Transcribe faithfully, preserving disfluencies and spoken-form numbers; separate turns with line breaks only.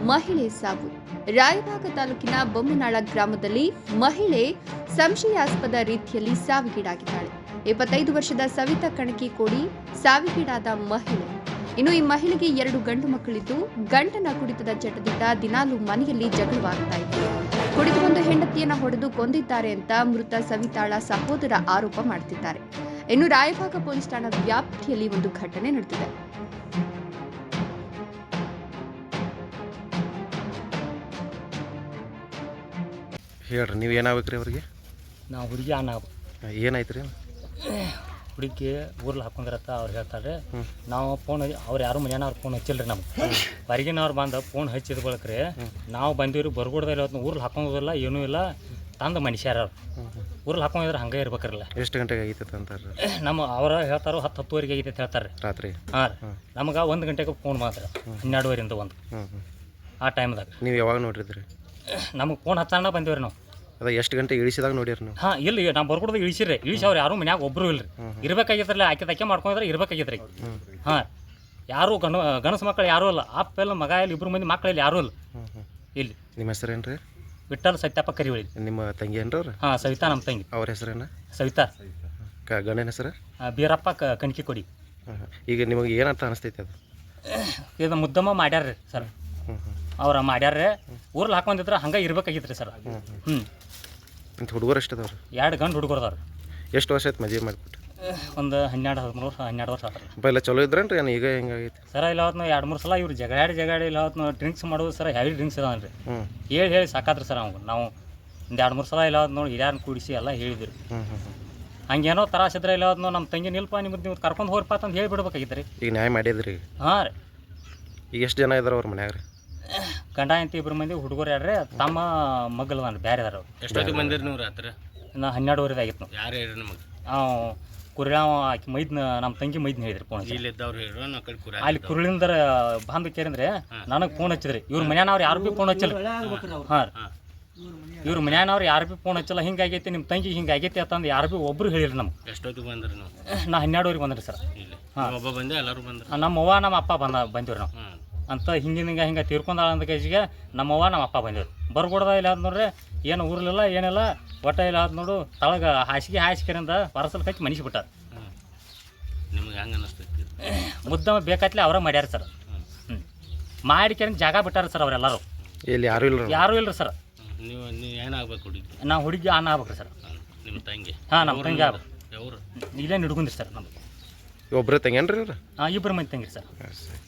ಮಹಿಳೆ ಸಾವು. ರಾಯಭಾಗ ತಾಲೂಕಿನ ಬೊಮ್ಮನಾಳ ಗ್ರಾಮದಲ್ಲಿ ಮಹಿಳೆ ಸಂಶಯಾಸ್ಪದ ರೀತಿಯಲ್ಲಿ ಸಾವಿಗೀಡಾಗಿದ್ದಾಳೆ. ಇಪ್ಪತ್ತೈದು ವರ್ಷದ ಸವಿತಾ ಕಣಕಿಕೋಡಿ ಸಾವಿಗೀಡಾದ ಮಹಿಳೆ. ಇನ್ನು ಈ ಮಹಿಳೆಗೆ ಎರಡು ಗಂಡು ಮಕ್ಕಳಿದ್ದು, ಗಂಡನ ಕುಡಿತದ ಚಟದಿಂದ ದಿನಾಲೂ ಮನೆಯಲ್ಲಿ ಜಗಳವಾಗ್ತಾ ಇತ್ತು. ಕುಡಿದು ಒಂದು ಹೆಂಡತಿಯನ್ನ ಹೊಡೆದು ಕೊಂದಿದ್ದಾರೆ ಅಂತ ಮೃತ ಸವಿತಾಳ ಸಹೋದರ ಆರೋಪ ಮಾಡ್ತಿದ್ದಾರೆ. ಇನ್ನು ರಾಯಭಾಗ ಪೊಲೀಸ್ ಠಾಣಾ ವ್ಯಾಪ್ತಿಯಲ್ಲಿ ಒಂದು ಘಟನೆ ನಡೆದಿದೆ.
ಹೇಳ್ರಿ, ನೀವು ಏನಾಗ್ಬೇಕ್ರಿ ಅವ್ರಿಗೆ?
ನಾವು ಹುಡುಗಿ ಅನ್ನ
ಏನಾಯ್ತು ರೀ?
ಹುಡುಗಿ ಊರ್ಲಿ ಹಾಕೊಂಡಿರತ್ತ ಅವ್ರು ಹೇಳ್ತಾರೆ. ನಾವು ಫೋನ್ ಅವ್ರು ಯಾರು ಮನೆಯವ್ರು ಅವ್ರು ಫೋನ್ ಹಚ್ಚಿಲ್ರಿ ನಮ್ಗೆ. ಹೊರಗಿನವ್ರು ಬಂದು ಫೋನ್ ಹಚ್ಚಿದ ಬಳಕ್ರಿ ನಾವು ಬಂದಿವ್ರಿ. ಬರ್ಗೊಡ್ದಿಲ್ಲ, ಇವತ್ತು ಊರ್ಲಿ ಹಾಕೊಂಡೋದಿಲ್ಲ, ಏನೂ ಇಲ್ಲ. ತಂದು ಮನುಷ್ಯರ ಊರ್ಲಿ ಹಾಕೊಂಡಿದ್ರೆ ಹಂಗೆ ಇರ್ಬೇಕ್ರಲ್ಲ.
ಎಷ್ಟು ಗಂಟೆಗೆ ಆಗೈತೆ ಅಂತಾರೆ?
ನಮ್ಮ ಅವ್ರ ಹೇಳ್ತಾರೋ ಹತ್ತು ಹತ್ತುವರೆಗೆ ಆಗೈತೆ ಅಂತ ಹೇಳ್ತಾರೆ
ರಾತ್ರಿ.
ಹಾಂ ರೀ, ನಮ್ಗೆ ಒಂದು ಗಂಟೆಗೆ ಫೋನ್ ಮಾತ್ರ ಹನ್ನೆರಡುವರೆಯಿಂದ ಒಂದು ಆ ಟೈಮ್ದಾಗ.
ನೀವು ಯಾವಾಗ ನೋಡಿದ್ರಿ?
ನಮಗೆ ಫೋನ್ ಹಚ್ಚೋಣ ಬಂದಿವ್ರಿ ನಾವು.
ಅದ ಎಷ್ಟು ಗಂಟೆ ಇಳಿಸಿದಾಗ ನೋಡಿರಿ ನೀವು?
ಹಾಂ, ಇಲ್ಲಿ ನಾವು ಬರ್ಕೊಡ್ದು ಇಳಿಸಿರಿ. ಇಳಿಸಿ ಅವ್ರು ಯಾರು ಮನ್ಯಾಗ ಒಬ್ಬರು ಇಲ್ರಿ. ಇರ್ಬೇಕಾಗಿದ್ರಲ್ಲ, ಆಕೆ ತಕ್ಕೆ ಮಾಡ್ಕೊಂಡಿದ್ರೆ ಇರ್ಬೇಕಾಗಿದ್ರಿ. ಹಾಂ, ಯಾರು ಗಣ ಗಣಸು ಮಕ್ಕಳು ಯಾರೂ ಇಲ್ಲ. ಅಪ್ಪ ಎಲ್ಲ ಮಗ ಇಲ್ಲಿ ಇಬ್ಬರು ಮಂದಿ ಮಕ್ಕಳಲ್ಲಿ ಯಾರೂ ಇಲ್ಲ ಇಲ್ಲಿ.
ನಿಮ್ಮ ಹೆಸರೇನು ರೀ?
ವಿಠಲ್ ಸತ್ಯಪ್ಪ ಕರಿವಳಿ.
ನಿಮ್ಮ ತಂಗಿ ಏನ್ರಿ ಅವ್ರು?
ಹಾಂ, ಸವಿತಾ ನಮ್ಮ ತಂಗಿ.
ಅವ್ರ ಹೆಸರೇನ?
ಸವಿತಾ.
ಕ ಗಂಡನ ಹೆಸರು?
ಬೀರಪ್ಪ ಕ ಕಣಕಿ ಕೊಡಿ.
ಈಗ ನಿಮಗೆ ಏನಂತ ಅನಿಸ್ತೈತೆ ಅದು?
ಇದು ಮುದ್ದಮ್ಮ ಮಾಡ್ಯಾರ್ರಿ ಸರ್. ಅವ್ರ ಮಾಡ್ಯಾರ್ರಿ. ಊರಲ್ಲಿ ಹಾಕೊಂಡಿದ್ರೆ ಹಂಗೆ ಇರ್ಬೇಕಾಗಿತ್ತು ರೀ ಸರ್. ಹ್ಞೂ,
ಇಂಥ ಹುಡುಗರು ಎಷ್ಟು ಅದಾವ್ರಿ?
ಎರಡು ಗಂಡು ಹುಡುಗರದವ್ರು.
ಎಷ್ಟು ವರ್ಷ ಆಯ್ತು ಮದುವೆ ಮಾಡಿಬಿಟ್ಟು?
ಒಂದು ಹನ್ನೆರಡು ಹದಿಮೂರು ವರ್ಷ ಹನ್ನೆರಡು ವರ್ಷ ಆದ್ರೆ.
ಅಪ್ಪ ಎಲ್ಲ ಚಲೋ ಇದ್ರೇನ್ರಿ? ಏನು ಈಗ ಹೆಂಗಾಗೈತಿ
ಸರ? ಇಲ್ಲ ಹೊತ್ತು ಎರಡು ಮೂರು ಸಲ ಇವ್ರು ಜಗಾಡಿ ಜಗಾಡಿ ಇಲ್ಲ ಹೊತ್ತು ಡ್ರಿಂಕ್ಸ್ ಮಾಡೋದು ಸರ್. Heavy drinks ಇದಾವನ್ರಿ.
ಹ್ಞೂ,
ಹೇಳಿ ಹೇಳಿ ಸಾಕಾದ್ರಿ ಸರ್. ಅವ್ನು ನಾವು ಒಂದು ಎರಡು ಮೂರು ಸಲ ಇಲ್ಲ ಹೊತ್ತು ನೋಡಿ ಹಿರಿಯರನ್ನ ಕೂಡಿಸಿ ಎಲ್ಲ ಹೇಳಿದ್ರಿ.
ಹ್ಞೂ ಹ್ಞೂ
ಹಂಗೇನೋ ತರಾಸಿದ್ರೆ ಇಲ್ಲ ಹೊತ್ತು ನಮ್ಮ ತಂಗಿ ನಿಲ್ಪ ನಿಮ್ಗೆ ನೀವು ಕರ್ಕೊಂಡು ಹೋಗ್ರಪ್ಪ ಅಂತ ಹೇಳಿ ಬಿಡ್ಬೇಕಾಗಿತ್ತು ರೀ.
ಈಗ ನ್ಯಾಯ ಮಾಡಿದ್ರಿ?
ಹಾಂ ರೀ.
ಈಗ ಎಷ್ಟು ಜನ ಇದಾರೆ ಅವ್ರ ಮನ್ಯಾಗ ರೀ?
ಗಂಡ ಅಂತ ಇಬ್ಬರು ಮಂದಿ ಹುಡುಗರು ಯಾರ್ರಿ, ತಮ್ಮ ಮಗ್ಗಲ್ದಾನ ಬೇರೆ ಅದಾರ.
ಎಷ್ಟೊತ್ತಿಗೆ ಬಂದಿರಿ ನೀವು ರಾತ್ರಿ?
ನಾ ಹನ್ನೆರಡುವರೆದು ಆಗಿತ್ತು ನಾವು.
ಯಾರು ಹೇಳ್ರಿ ನಮಗೆ?
ನಾವು ಕುರಿಯಾವ ಆಕೆ ಮೈದ್ನ ನಮ್ಮ ತಂಗಿ ಮೈದ್ನ ಹೇಳಿದ್ರಿ ಫೋನ್ ಹಚ್ಚಿ.
ಇಲ್ಲಿದ್ದವ್ರು ಹೇಳ್ರು, ನಾವು ಕಡೆ ಕುರಿ
ಅಲ್ಲಿ ಕುರುಳಿಂದರ ಬಂದು ಕೇರಿಂದ್ರೆ ನನಗೆ ಫೋನ್ ಹಚ್ಚಿದ್ರಿ. ಇವ್ರ ಮನ್ಯಾನವ್ರು ಯಾರು ಭೀ ಫೋನ್ ಹಚ್ಚಿಲ್ಲ. ಹಾಂ ರೀ, ಇವ್ರ ಮನ್ಯಾನವ್ರು ಯಾರು ಭೀ ಫೋನ್ ಹಚ್ಚಲ್ಲ. ಹಿಂಗೆ ಆಗೈತಿ ನಿಮ್ಮ ತಂಗಿ ಹಿಂಗೆ ಆಗೈತಿ ಅಂತಂದು ಯಾರು ಭೀ ಒಬ್ರು ಹೇಳಿರಿ ನಮ್ಗೆ.
ಎಷ್ಟೊತ್ತಿಗೆ ಬಂದ್ರಿ ನಾವು?
ನಾ ಹನ್ನೆರಡುವರೆಗೆ ಬಂದ್ರಿ ಸರ್.
ಇಲ್ಲಿ
ಹಾಂ,
ಒಬ್ಬ ಬಂದೆ, ಎಲ್ಲರೂ ಬಂದ್ರು.
ನಮ್ಮ ಅವ್ವ ನಮ್ಮ ಅಪ್ಪ ಬಂದ ಬಂದಿವ್ರಿ ನಾವು.
ಹಾಂ
ಅಂತ ಹಿಂಗಿನ ಹಿಂಗೆ ಹಿಂಗೆ ತೀರ್ಕೊಂಡಾಳ ಅಂದ ಕೇಜಿಗೆ ನಮ್ಮವ್ವ ನಮ್ಮ ಅಪ್ಪ ಬಂದಿವ್ರು. ಬರ್ಕೊಡ್ದ ಇಲ್ಲ ಅದು ನೋಡ್ರಿ, ಏನು ಊರ್ಲಿಲ್ಲ ಏನಿಲ್ಲ, ಒಟ್ಟ ಇಲ್ಲ ಅದು ನೋಡು. ತಳಗ ಹಾಸಿಗೆ ಹಾಸಿಗೆರಿಂದ ಹೊರಸಲ್ ಕಚ್ಚಿ ಮನಿಸಿ ಬಿಟ್ಟಾರ.
ಹಾಂ, ನಿಮ್ಗೆ ಹೆಂಗೆ ಅನ್ನಿಸ್ತೈತಿ?
ಮುದ್ದಮ ಬೇಕಾತ್ಲೆ ಅವರ ಮಾಡ್ಯಾರ ಸರ್. ಹ್ಞೂ, ಮಾಡಿಕೆರಿಂದ ಜಾಗ ಬಿಟ್ಟಾರ ಸರ್ ಅವರೆಲ್ಲರೂ.
ಇಲ್ಲಿ ಯಾರೂ ಇಲ್ಲ?
ಯಾರೂ ಇಲ್ರಿ ಸರ್.
ನೀವು ನೀವು ಏನಾಗ್ಬೇಕು ಹುಡುಗಿ?
ನಾವು ಹುಡುಗಿ ಅನ್ನ ಆಗ್ಬೇಕ್ರಿ ಸರ್.
ನಿಮ್ಮ ತಂಗಿ?
ಹಾಂ, ನಮ್ಮ ತಂಗಿ ಆಗ್ಬೇಕು.
ಯಾವ್ರು?
ಇಲ್ಲೇ ಹಿಡ್ಕೊಂಡ್ರಿ ಸರ್ ನಮ್ಗೆ.
ಒಬ್ಬರೇ ತಂಗೇನ್ರಿ ಇವ್ರು?
ಹಾಂ, ಇಬ್ಬರು ಮಂದಿ ತಂಗಿರಿ ಸರ್.
ಸರಿ.